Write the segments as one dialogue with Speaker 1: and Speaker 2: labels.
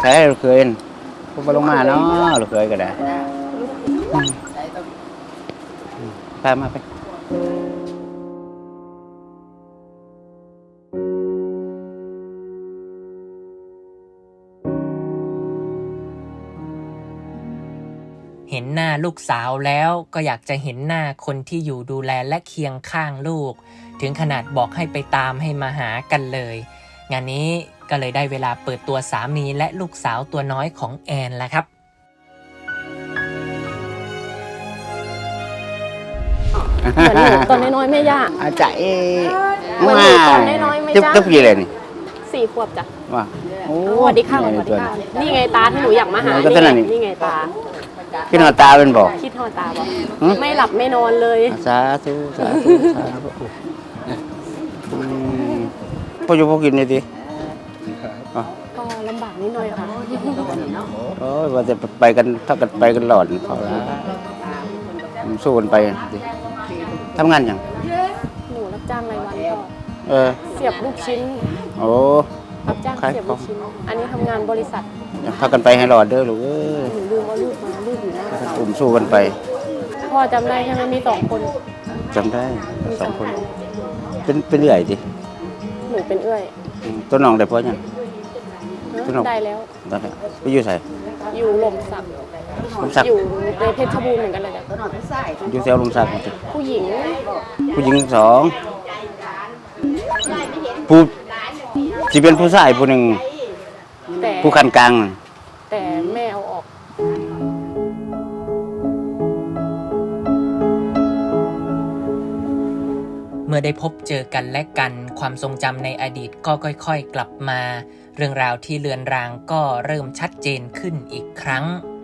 Speaker 1: ช้ลูกเคยผมไปลงมาเนาะลูกเคยก็ได้ตามมาไป
Speaker 2: เห็นหน้าลูกสาวแล้วก็อยากจะเห็นหน้าคนที่อยู่ดูแลและเคียงข้างลูกถึงขนาดบอกให้ไปตามให้มาหากันเลยงานนี้ก็เลยได้เวลาเปิดตัวสามีและลูกสาวตัวน้อยของแอนแล้วครับ
Speaker 3: เหมือนหนูตอนน้อยๆแม่ย่า
Speaker 1: อาจารย์
Speaker 3: เหมือนหนูตอนน้อยๆแม่ย่า
Speaker 1: ตุ๊บยี่เลยนี่
Speaker 3: 4 ขวบจ้ะ
Speaker 1: ว่า
Speaker 3: สวัสดีค่ะสวัสดีค่ะนี่ไงตาที่หนูอยากมาหานี่ไงตา
Speaker 1: คิดหอตาเป็นบอก
Speaker 3: คิดหอตาบอกไม่หลับไม่นอนเลย
Speaker 1: สาธุสาธุสาธุพ่ออยู่พ่อกินเลยดิ
Speaker 3: ก็ลำบากนิดหน่อยค่ะ
Speaker 1: โอ้ยว่าจะไปกันถ้ากันไปกันหลอดเขาละสู้กันไปดิทำงานยัง
Speaker 3: หนูรับจ้างรายวันก็เสียบลูกชิ้น
Speaker 1: โอ้
Speaker 3: รับจ้างเสียบลูกชิ้นอันนี้ทำงานบริษัท
Speaker 1: ถ้ากันไปให้หลอดเด้อลูก
Speaker 3: หนูลืมว่าลูกอยู่หน้าเรา
Speaker 1: กลุ่มสู้กันไป
Speaker 3: พ่อจำได้ใช่ไหมมี2 คน
Speaker 1: จำได้2 คนเป็นเอื่อยดิ
Speaker 3: หนูเป็นเอื้อย
Speaker 1: ตัวน้องได้พ่อยัง
Speaker 3: ได้แล้ว
Speaker 1: ไปอยู่ใส่
Speaker 3: อยู่หล่มสักอยู่ในเพชรบูรณ์เหมือนกันเลย
Speaker 1: อยู่แถวลมสัก
Speaker 3: ผู้หญิง
Speaker 1: 2ผู้ที่เป็นผู้ชายผู้หนึ่งผู้คันกลาง
Speaker 3: แต่แม่เอาออก
Speaker 2: เมื่อได้พบเจอกันและกันความทรงจำในอดีตก็ค่อยๆกลับมาเรื่องราวที่เลือนรางก็เริ่มชัดเจนขึ้นอีกครั้ง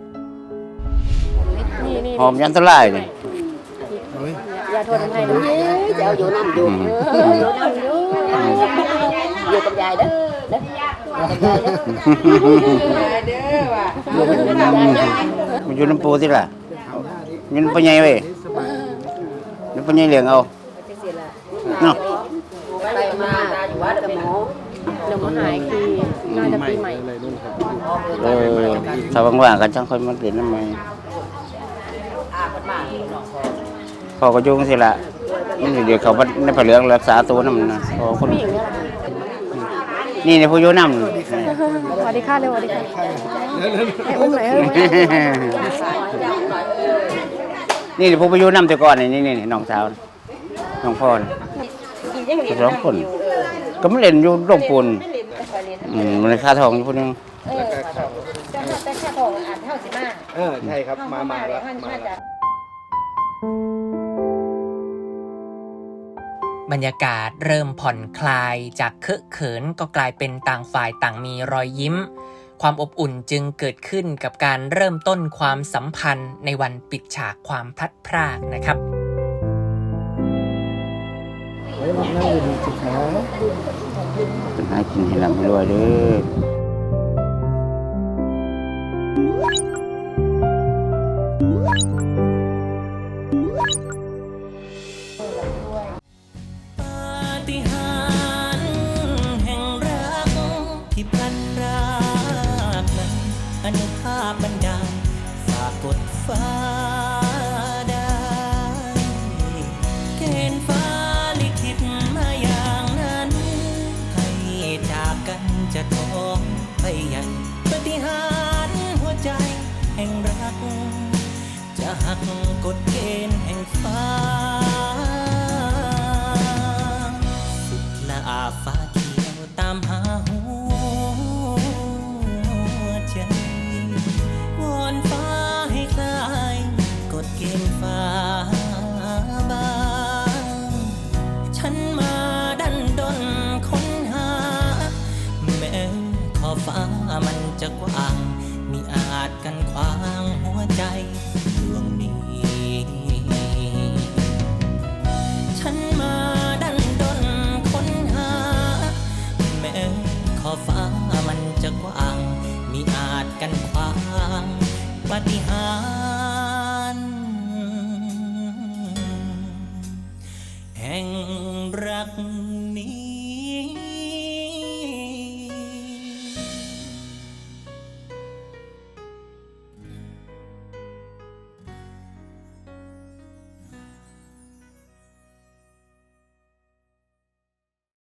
Speaker 1: หอมยันตรายเลย
Speaker 3: อย่าโทษทำไมนะ
Speaker 4: จะเอาอยู่น้ำอยู่อยู่กับยายเด้อ
Speaker 1: มันอยู่น้ำปูที่ล่ะมันเป็นไงเว้ยมันเป็นไงเลี้ยงเอาเนาะ
Speaker 4: ไปมาอยู่วัดกับหมอ
Speaker 3: เดี๋ยวมาหายคือน่าจะปีใหม่
Speaker 1: ถ้าว่างๆกันช่างค่อยมาเรียนน้ำใหม่พอก็ยุ่งสิละมันเดี๋ยวเขาในผ่าเหลืองรักษาตัวนั่นนะพอคนนี่ในผู้ยุ่งน้ำ
Speaker 3: สวัสดีค่ะเร็วสวัสดีค่ะให้อุ้มหน่อย
Speaker 1: นี่ผู้ไปยุ่งน้ำแต่ก่อนนี่น้องสาวน้องพ่อ2 คนก็ไม่เล่นอยู่โรงปูนมันค่าทองอยู่คนนึง
Speaker 4: แต่ค่าทองอ่านเท่าสิมา
Speaker 1: ใช่ครับมาแล้ว
Speaker 2: บรรยากาศเริ่มผ่อนคลายจากเคอะเขินก็กลายเป็นต่างฝ่ายต่างมีรอยยิ้มความอบอุ่นจึงเกิดขึ้นกับการเริ่มต้นความสัมพันธ์ในวันปิดฉากความพลัดพรากนะครับ
Speaker 1: เป็นหากินให้ลำให้รวยเลย
Speaker 2: ปาฏิหาริย์แห่งรักที่พลัดพรากนั้นอนุภาพบันดาลฝากกดฟ้าได้เกณฑ์ฟ้าลิขิตมาอย่างนั้นให้จากกันจะท้องไปใหญ่ปาฏิหาริย์หัวใจแห่งรักจะหักกฎเกณฑ์แห่งฟ้าสุดละอาฟ้าเขียวตามหาหัวใจวอนฟ้าให้คลายกฎเกณฑ์ฟ้าบางฉันมาดันดนค้นหาแม้ขอบฟ้ามันจะกว้างมิอาจกันขวางหัวใจดวงนี้ฉันมาดันดนค้นหาแม้ขอบฟ้ามันจะกว้างมิอาจกันขวางปาฏิหา